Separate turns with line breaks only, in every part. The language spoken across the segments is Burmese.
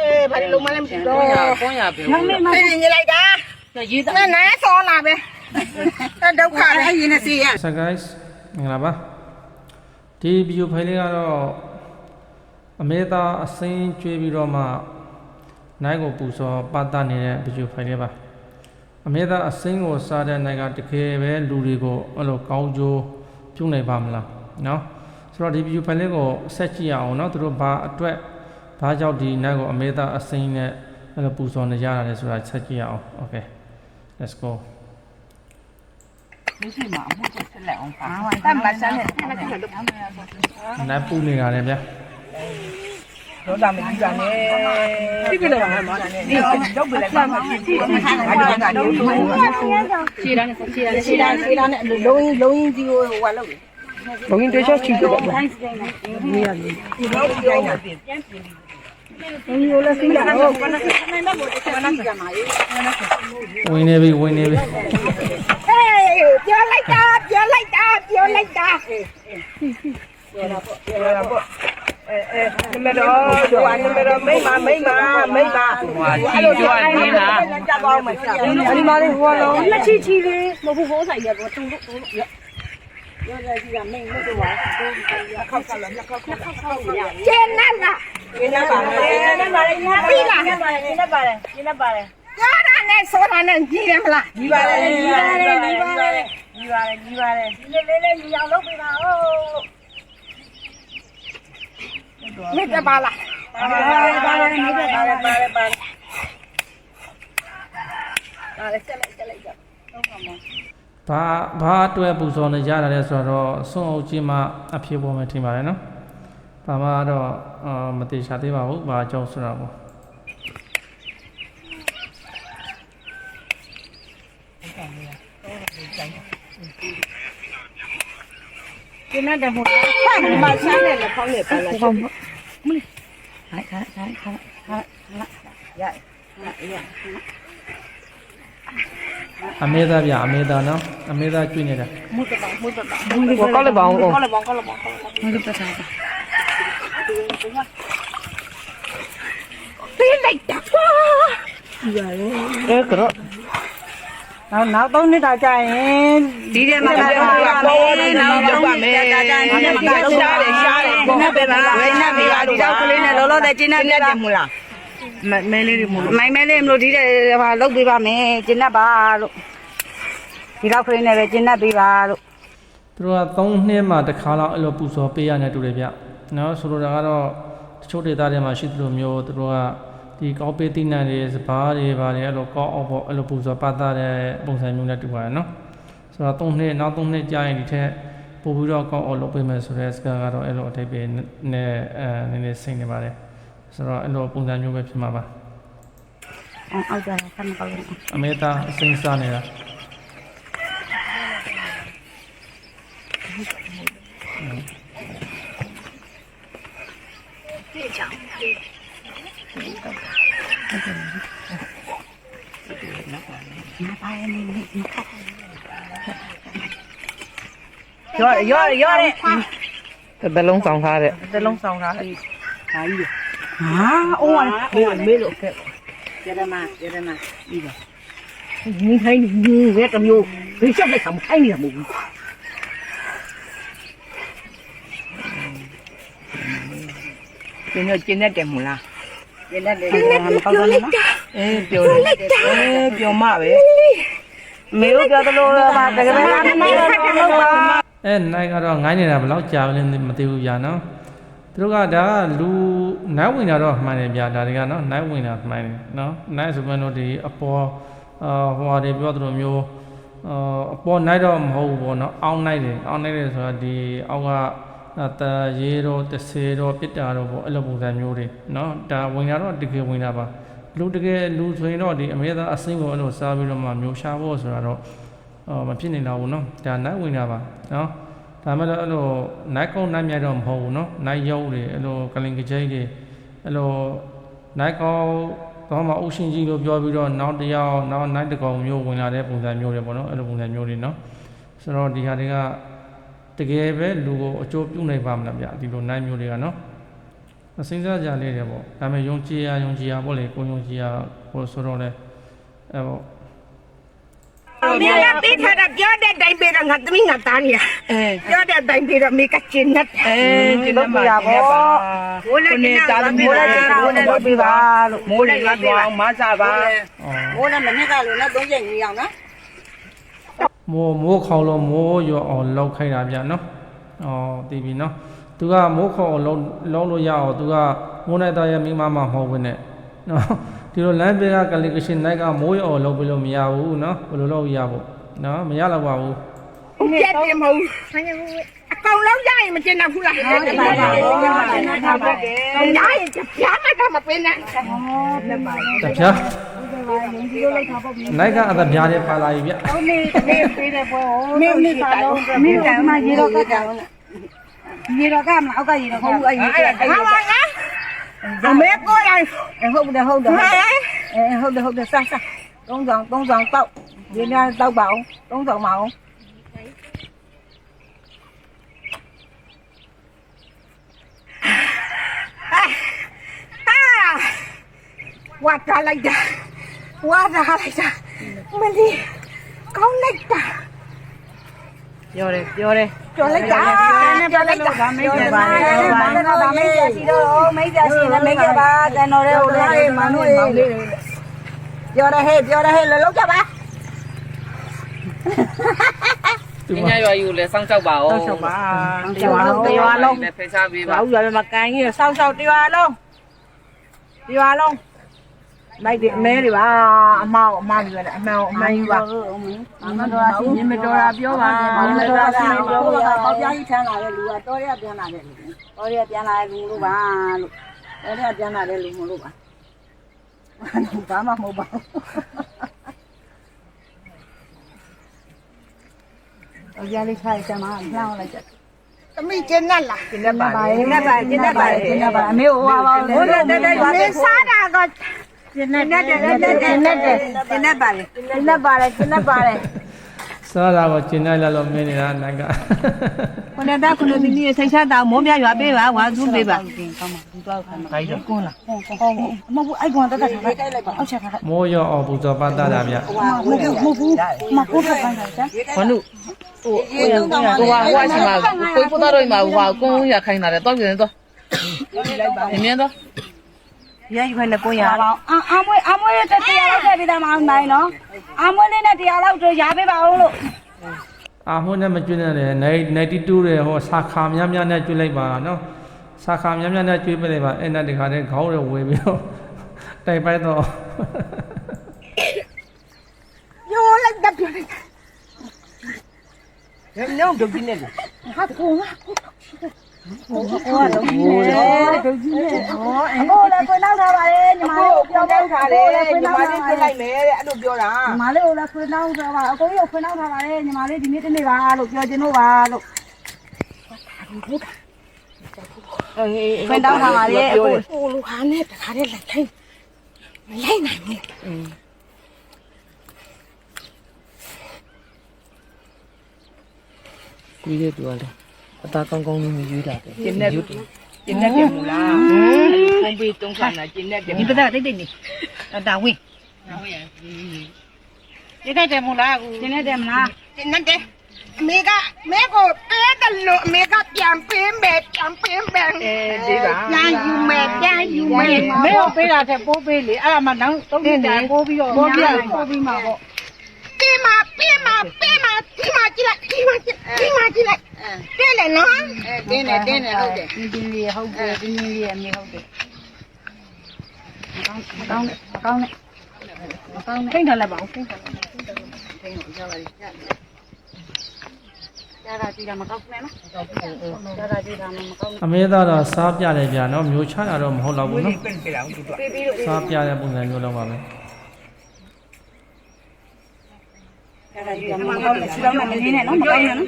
ဘာလို့မလဲမသိတော့
ကွန်ရပဲ
နေနေလိုက်တာရေးတာနဲဆောလာပဲဒုက္ခလည်းရင်းနေစီရ
So guys မင်္ဂလာပါဒီဗီဒီယိုဖိုင်လေးကတော့အမေသားအစင်းကျွေးပြီးတော့မှနိုင်ကိုပူစောပတ်တနေတဲ့ဗီဒီယိုဖိုင်လေးပါအမေသားအစင်းကိုစားတဲ့နိုင်ကတကယ်ပဲလူတွေကိုအဲ့လိုကောင်းကျိုးပြုနိုင်ပါမလားနော်ဆိုတော့ဒီဗီဒီယိုဖိုင်လေးကိုဆက်ကြည့်ရအောင်နော်သူတို့ဘာအတွက်ဘာကြောင့်ဒီနိုင်ကိုအမေသားအစင်းနဲ့အဲ့လိုပူစောနေကြတာလဲဆိုတာဆက်ကြည့်ရအောင် Okay let's go
မရှိမှာအမှုချက်ဆက်လက်အောင်ပါ
တတ်မှတ်စမ်းနဲ့
နိုင်ပူနေတာလေဗျာ
တော့တာမကြည့်ကြနဲ့ဒီကလည်းမှာဒီတော့ဘယ်လဲမှာကြည့်အဲ့ဒီကနေခြေရနဲ့ခြေရနဲ့လုံးကြီးကြီးကိုဟိုကလောက်လုံးကြီးတွေ့ချချီတော့ဒီရတယ်ဒီတော့ပြန်ပြန်ဒီလိုလဲစီးလာတော့ဘာနဲ့နိုင်တော့ဘာနဲ့ကြမှာရေး
ဝင်နေပြီ
ဟေးပြောလိုက်တာပြောလိုက်တာပြောတာပေါ့နမတော်ကျွာနမတော်မိမဟွာကြည့်ကြနေတာကြပါဦးမကြောက်ဒီမှာလေးဟိုလုံးလက်ချီလေးမဟုတ်ဘူးဟိုးဆိုင်ရတော့တူလို့ရောရကြီးကမိတ်လို့တော့ခောက်ကလည်းခောက်ရကျင်းနာလားကျင်းနာပါလေပြီးလားကျင်းပါတယ်ကြားတာနဲ့ဆိုတာနဲ့ကြီးတယ်မလားကြီးပါတယ်ကြီးလေးညီအောင်လုပ်ပေးပါဦးမိတ်ပါလားပါတယ်ဆက်လိုက်ဆက်လိုက်
ဘာအတွက်ပူဇော်နေကြတာလဲဆိုတော့ဆွန့်အုပ်ကြီးမှအဖြစ်ပေါ်မယ်ထင်ပါတယ်နော်ဘာမှတော့မတိချာသေးပါဘူးဘာကြောင့်ဆိုတော့ပေါ့
ကျင်းတဲ့ဟိုမဆန်းနဲ့လည်းဖောင်းနေပါလားဟုတ်မလေးဟာရ
အမေသားဗျအမေသားနော်အမေသားကျွေးနေတာ
မုတ်ကောက်လိုက်ပါဦးကောက်လိုက်ပါမုတ်တက်တာပေးလိုက်တာရတယ်ကတော့နောက်3နှစ်တာကြာရင်ဒီထဲမှာတော့နောက်တော့ပါမယ်ဒါကြာဒီထဲမှာတော့ရှားတယ်နတ်ပဲပါဝိနတ်ပဲဒီတော့ကလေးနဲ့လောလောဆယ်ကျင်းနေတယ်မလားမဲလေးတွေမလို့မိုင်းမဲလေးမလို့ဒီတဲ့ဟာလုတ်ပေးပါမယ်ကျင်းတ်ပါလို့ဒီတော့ကလေးနဲ့ပဲကျင်းတ်ပေးပါလို့
သူတို့က3နှစ်မှတစ်ခါလောက်အဲ့လိုပူဇော်ပေးရနေတူတယ်ဗျနော်ဆိုလိုတာကတော့တချို့ဒေသတွေမှာရှိသလိုမျိုးသူတို့ကဒီကောက်ပေးတိနံတွေစပါးတွေပါတယ်အဲ့လိုကောက်အောင်ပေါ့အဲ့လိုပူဇော်ပတ်သားတဲ့ပုံစံမျိုးနဲ့တူပါတယ်နော်ဆိုတော့3နှစ်နောက်3နှစ်ကြာရင်ဒီထက်ပို့ပြီးတော့ကောက်အောင်လုပ်ပေးမယ်ဆိုတဲ့စကားကတော့အဲ့လိုအထိပ္ပယ်နဲ့နည်းနည်းစိတ်နေပါတယ်ဆိုတော့အဲ့လိုပုံစံမျိုးပဲဖြစ်မှာပါ
အောက်ကြတာဆမ်းကောက်လို့
အမေသားအစိမ်းစားနေတာ
ပြေးချောင်းရောတဲ့
ဘယ်လုံးဆောင်ထားတဲ့
ဟာကြီးဟာအိုးမေးလို့ခဲ့ရရမပြီးပါ你看你这怎么有？你现在怎么看你怎么？今天点么啦？今天点么？搞什么？表妈呗。没有表的路了吧？这个没有吧？
နိုင်ကတော့ငိုင်းနေတာဘယ်လောက်ကြာလဲမသိဘူးဗျာနော်သူတို့ကဒါကလူနိုင်ဝင်တာတော့မှန်တယ်ဗျာဒါတွေကနော်နိုင်ဝင်တာမှန်တယ်နော်နိုင်ဆိုမှတော့ဒီအပေါ်ဟိုဟာတွေပြောသလိုမျိုးအပေါ်နိုင်တော့မဟုတ်ဘူးပေါ့နော်အောင်းနိုင်တယ်ဆိုတော့ဒီအောက်ကရေတော့30တော့ပြစ်တာတော့ပေါ့အဲ့လိုပုံစံမျိုးတွေနော်ဒါဝင်တာတော့တကယ်ဝင်တာပါလူတကယ်လူဆိုရင်တော့ဒီအမေသားအစင်းကိုအဲ့လိုစားပြီးတော့မှမျိုးရှာဖို့ဆိုတာတော့မဖြစ်နိုင်တော့ဘူးနော်ဒါနိုင်ဝင်တာပါနော်ဒါမှလည်းအဲ့လိုနိုင်ကောင်းနိုင်မြတ်တော့မဟုတ်ဘူးနော်နိုင်ရုပ်တွေအဲ့လိုကလင်ကကြိတ်တွေအဲ့လိုနိုင်ကောင်းတော့မှအုပ်ရှင်ကြီးလို့ပြောပြီးတော့နောက်တစ်ယောက်နောက်နိုင်တကောင်မျိုးဝင်လာတဲ့ပုံစံမျိုးတွေပေါ့နော်အဲ့လိုပုံစံမျိုးတွေနော်ဆိုတော့ဒီဟာတွေကတကယ်ပဲလူကိုအကျိုးပြုနိုင်ပါမလားဗျဒီလိုနိုင်မျိုးတွေကနော်စဉ်းစားကြလေးတယ်ပေါ့ဒါပေမဲ့ယုံကြည်ရပေါ့လေကိုယုံကြည်ရဟိုဆိုတော့လေအဲ့ပေါ့
မင်းကပေးထားတာပြောတဲ့တိုင်ပေးတော့ငါသမီးငါသားနေရပြောတဲ့တိုင်ပေးတော့မိကကျင်းနဲ့ကျင်းမရပါဘူးဘိုးလည်းနေတာမိုးလည်းလုပ်ပေးပါလို့မိုးလည်းရွာပေးပါမဆပါမိုးလည်းမနေ့ကလို့နော်30ညီအောင်နော်
မိုးခေါင်လို့မိုးရောအောင်လောက်ခိုင်းတာဗျနော်တည်ပြီနော်သူကမိုးခေါင်အောင်လောက်လို့ရအောင်သူကမိုးနိုင်သားရဲ့မိမမဟုတ်ဘူးနဲ့နော်ဒီလိုလမ်းဘေးကကလီကရှင်နိုင်ကမိုးရောအောင်လောက်ပြီးလို့မရဘူးနော်ဘယ်လိုလုပ်ရဖို့နော်မရတော့ပါဘူး
ပြတ်တယ်မဟုတ်အကောင်လုံးရရင်မကျင်တော့ဘူးလားဟုတ်တယ်ပါပါရရင်ပြားမှတော့မပင်းနဲ့
တပြားနိုင်ကအသက်ပြားတယ်ပါလာပြီဗျ
ဟုတ်နေပေးတယ်ပွဲမင်းမိသားလုံးမင်းကမှရေတော့ကကြောင်ရေတော့ကမအောက်ကရေတော့ဟုတ်ဘူးအရင်ကဟာပါကအမေကိုလိုက်ဟုတ်တယ်ဟုတ်တယ်ဟုတ်တယ်စားသုံးဆောင်တောက်ရေများတောက်ပါအောင်သုံးဆောင်ပါအောင်ဝါတာလိုက်တာမလီကောင်းလိုက်တာပြောတယ်လိုက်တာဒါမိတ်ပါဒါမိတ်စီတော့မိတ်စီနဲ့မိတ်ပါတန်တော်ရဲ့ဟိုလေးမနုလေးပြောတယ်ဟဲ့လောက်ကြပါ
ဒီညရွာယူလဲစောင့်ကြောက်ပါဦး
ဆောက်ပါတရားလုံး
နဲ့ဖိစားပေးပါ
ဘာလို့ရမကန်ကြီးဆောက်တရားလုံးလိုက်တယ်အမဲတွေပါအမောက်အမတွေလည်းအမှန်ယူပါမတော်တာပြောပါပေါက်ပြားကြီးထမ်းလာတဲ့လူကတော်ရပြန်လာတဲ့လူလို့ပါလို့တော်ရပြန်လာတဲ့လူမလို့ပါဘာမှမဟုတ်ပါဘူးတော်ရလေးခိုင်းချင်မှလှောင်းလိုက်တယ်သမီးကျင်းနဲ့လားကျင်းနဲ့ပါအမေဟိုပါဟိုတဲ့စားတာကကျင်းနဲ့ပါတယ်
စားတာကိုကျင်လိုက်လို့မင်းနေတာနိုင်က
ခုနကဒီနေ့ထိတ်ချတာမိုးပြရွာပေးပါဝါသူပေးပါကောင်းပါဒီတော့ခိုင်းပါကွန်းလားဟုတ်မဟုတ်အိုက်ကွန်တက်ခိုင်းလိုက်ပါအောက်ချက်ခါ
မိုးရောအောင်ပူဇော်ပတ်တာဗျ
မဟုတ်ဘူးမဟုတ်ခိုင်းတာစမ်း
ဘာလို့ဟိုအချင်းမှာကိုပို့တော့မှာဟိုကုန်းရခိုင်းတာလေတော့ပြန်တော့မြင်တော့
ရယူခိုင်းတဲ့ကိုရအောင်အမွေးတရားလောက်ထည့်ပေးတာမအောင်နိုင်နော်အမွေးလေးနဲ့တရားလောက်တော့ရပေးပါအောင်လို့
အာမွှနဲ့မကျွနဲ့လေ92တဲ့ဟောစာခါများနဲ့ကျွလိုက်ပါနော်စာခါများနဲ့ကျွပေးလိုက်ပါအဲ့နဲ့ဒီခါတည်းခေါင်းရဝေပြီးတော့တိုက်ပိုက်တော့
ညိုလိုက်တတ်ပြလိုက်ညောင်းဒုတ်ကြီးနဲ့ဟာတကူငါဟိုဒုတ်ကြီးနဲ့ဟိုလည်းဖွင့်နောက်ထားပါလေညီမလေးကိုပြောင်းထားတယ်ညီမလေးပြလိုက်မယ်တဲ့အဲ့လိုပြောတာညီမလေးကိုလည်းဖွင့်နောက်ထားပါအကိုကြီးကိုဖွင့်နောက်ထားပါလေညီမလေးဒီနေ့တနေ့ပါလို့ပြောချင်လို့ပါလို့ဖွင့်နောက်ထားပါလေအကိုဟိုလူခါနဲ့တခါတည်းလိုက်ခိုင်းမလိုက်နိုင်ဘူး
ကြီးတဲ့တူလေအသားကောင်းကောင်းလေးရွေးတာတယ်
ကျင်းနဲ့တယ်မလားဖုန်းပေးတုံးခါနာကျင်းနဲ့တယ်ဒီပဒါတိတ်နေတာဝင်းကျင်းနဲ့တယ်မလားကူကျင်းနဲ့တယ်မလားကျင်းနဲ့တယ်အမေကမဲကိုပေးတယ်လို့အမေကပြန်ပေးမယ်ဒီပါပြန်ယူမယ်မဲကိုပေးတာတဲ့ပိုးပေးလေအဲ့ဒါမှနောက်သုံးနှစ်တိုင်ပိုးပြီးတော့ပိုးပြီးမှာပေါ့ပေးမှာဒီမှာကြည့်လိုက်တဲ့လေနော်တင်းနေဟုတ်တယ်တင်းလေးဟုတ်တယ်တင်းလေးအမေဟုတ်တယ်မကောင်းနဲ့ထိန်းထားလိုက်ပါဦးထိန်းထားရပါလိမ့်ကြာတာကြည့်တာမကောင်းနဲ့နော်ကြာတာကြည့်တာမကောင်း
အမေသားတော့စားပြတယ်ဗျာနော်မျိုးချတာတော့မဟုတ်တော့ဘူးနော်
ပေးပြီးလို့
စားပြတဲ့ပုံစံမျိုးတော့ပါပဲ
ကြာတာကြည့်တာမကောင်းနဲ့စီတော့မနေနဲ့နော်မကောင်းနဲ့နော်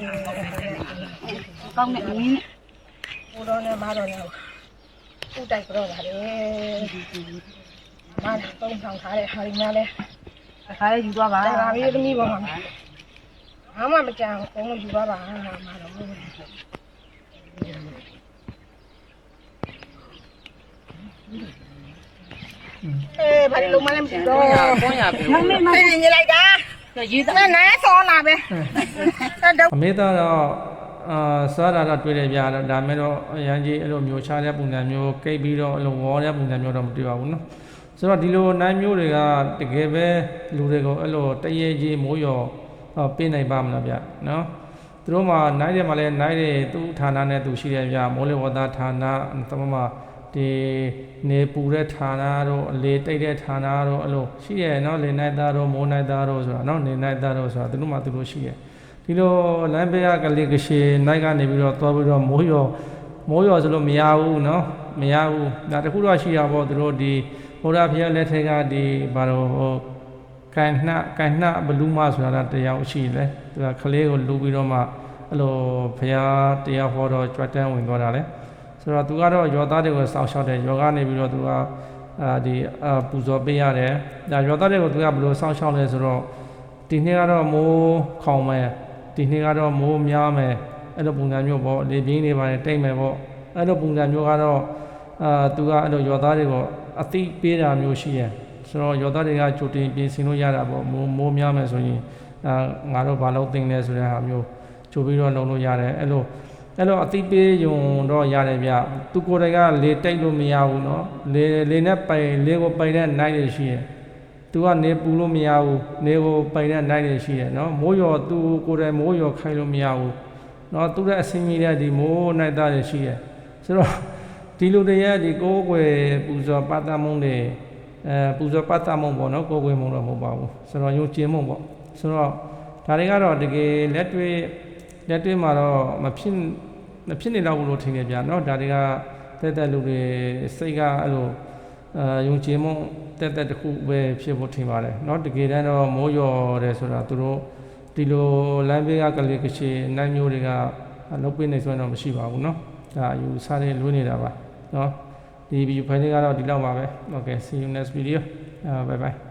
ကောင်းနဲ့မင်းနဲ့ဟိုတော့နဲ့မတော့နဲ့ဥတိုက်ကြောပါလေမာတုံးဆောင်ထားတဲ့ဟာဒီများလဲတစ်ခါလေးယူသွားပါဒါပြီးသမီးပေါ်မှာဘာမှမကြံဘူးဘုံယူသွားပါမာတော့ဘာလို့လုံးမလဲမသိတော့
ကွန်ရပြီ
မမေမသိနေလိုက်တာရေးသားနဲဆောလာပဲ
အမေသားတော့စားတာတော့တွေ့တယ်ဗျာဒါမဲ့တော့အရန်ကြီးအဲ့လိုမျိုးချတဲ့ပုံစံမျိုးကိတ်ပြီးတော့အဲ့လိုဝေါ်တဲ့ပုံစံမျိုးတော့မတွေ့ပါဘူးနော်ဆိုတော့ဒီလိုနိုင်မျိုးတွေကတကယ်ပဲလူတွေကိုအဲ့လိုတရေကြီးမိုးရောပေးနိုင်ပါမလားဗျနော်သူတို့မှနိုင်တယ်မှလည်းနိုင်တယ်သူ့ဌာနနဲ့သူရှိတယ်ဗျမိုးလေဝသဌာနသမမဒီနေပူတဲ့ဌာနတို့အလေတိတ်တဲ့ဌာနတို့အဲ့လိုရှိရနော်လေနိုင်သားတို့မိုးနိုင်သားတို့ဆိုတာနော်နေနိုင်သားတို့ဆိုတာသူတို့မှသူတို့ရှိရဒီလိုလမ်းဘေးကလေးကရှေနိုင်ကနေပြီးတော့သွားပြီးတော့မိုးရောဆိုလို့မရဘူးနော်မရဘူးဒါတခုတော့ရှိရပေါ့သူတို့ဒီဘုရားဖျားလက်ထက်ကဒီဘာလို့ကန်နှဘလူးမဆိုတာတရားရှိလဲသူကကလေးကိုလူပြီးတော့မှအဲ့လိုဖျားတရားဟောတော့ကြွတန်းဝင်သွားတာလေဆိုတော့သူကတော့ယောသားတွေကိုစောင့်ရှောက်တယ်ယောဂနေပြီးတော့သူကဒီပူဇော်ပေးရတယ်ဒါယောသားတွေကိုသူကဘယ်လိုစောင့်ရှောက်လဲဆိုတော့ဒီနေ့ကတော့မိုးခေါင်မယ်ဒီနေ့ကတော့မိုးများမယ်အဲ့လိုပုံစံမျိုးပေါ့လေပြင်းနေပါတယ်တိတ်မယ်ပေါ့အဲ့လိုပုံစံမျိုးကတော့သူကအဲ့လိုယောသားတွေကိုအသိပေးတာမျိုးရှိရဆိုတော့ယောသားတွေကကြိုတင်ပြင်ဆင်လို့ရတာပေါ့မိုးများမယ်ဆိုရင်ငါတို့ဘာလို့တင်လဲဆိုတဲ့ဟာမျိုးကြိုပြီးတော့လုပ်လို့ရတယ်အဲ့လိုအသိပေးယုံတော့ရတယ်ဗျသူကိုယ်တိုင်ကလေတိတ်လို့မရဘူးเนาะလေနဲ့ပိုင်လေကိုပိုင်တဲ့နိုင်ရရှိရသူကနေပူလို့မရဘူးနေကိုပိုင်တဲ့နိုင်ရရှိရเนาะမိုးရောသူကိုယ်တိုင်မိုးရောခိုင်းလို့မရဘူးเนาะသူတဲ့အစင်းကြီးတဲ့ဒီမိုးနိုင်သားရရှိရဆိုတော့ဒီလူတွေရဲ့ဒီကိုယ်ွယ်ပူဇော်ပတ်သမုံတွေပူဇော်ပတ်သမုံပေါ့เนาะကိုယ်ွယ်မုံတော့မဟုတ်ပါဘူးဆိုတော့ယုံကြည်မှုပေါ့ဆိုတော့ဒါတွေကတော့တကယ်လက်တွေ့မှာတော့မဖြစ်နေတော့ဘူးလို့ထင်နေကြเนาะဒါတွေကတက်လူတွေစိတ်ကအဲ့လိုယုံကြည်မှုတက်တစ်ခုပဲဖြစ်ဖို့ထင်ပါတယ်เนาะတကယ်တမ်းတော့မိုးရော်တယ်ဆိုတာသူတို့ဒီလိုလမ်းဘေးကကလေးကချေနိုင်မျိုးတွေကလုပ်ပေးနေဆိုတော့မရှိပါဘူးเนาะဒါယူစားတဲ့လွှဲနေတာပါเนาะဒီဗီဒီယိုဖိုင်လေးကတော့ဒီလောက်ပါပဲ okay see you next video bye bye